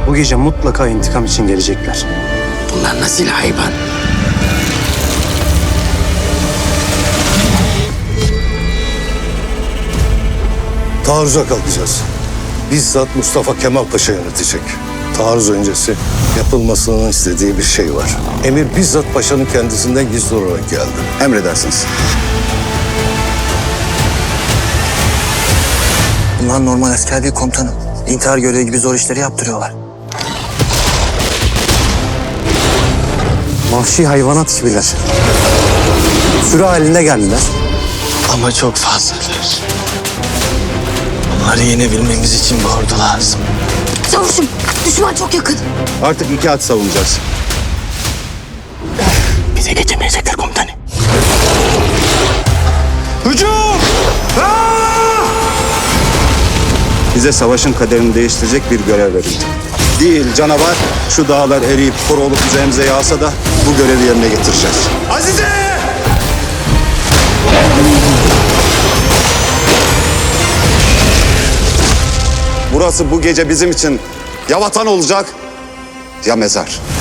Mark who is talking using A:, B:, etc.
A: Bu gece mutlaka intikam için gelecekler.
B: Bunlar nasıl hayvan?
C: Taarruza kalkacağız. Bizzat Mustafa Kemal Paşa yönetecek. Taarruz öncesi yapılmasını istediği bir şey var. Emir bizzat paşanın kendisinden gizli olarak geldi.
D: Emredersiniz.
E: Bunlar normal asker değil komutanım. İntihar görevi gibi zor işleri yaptırıyorlar.
A: Vahşi hayvanat gibiler. Sürü halinde geldiler.
E: Ama çok fazlalar. Onları yenebilmemiz için bir ordu lazım.
F: Çavuşum, düşman çok yakın.
D: Artık 2 at savunacağız.
E: Bize geçemeyecekler komutanım.
D: Bize savaşın kaderini değiştirecek bir görev verildi. Değil canavar, şu dağlar eriyip kor olup üzerimize yağsa da bu görevi yerine getireceğiz. Azize! Burası bu gece bizim için ya vatan olacak ya mezar.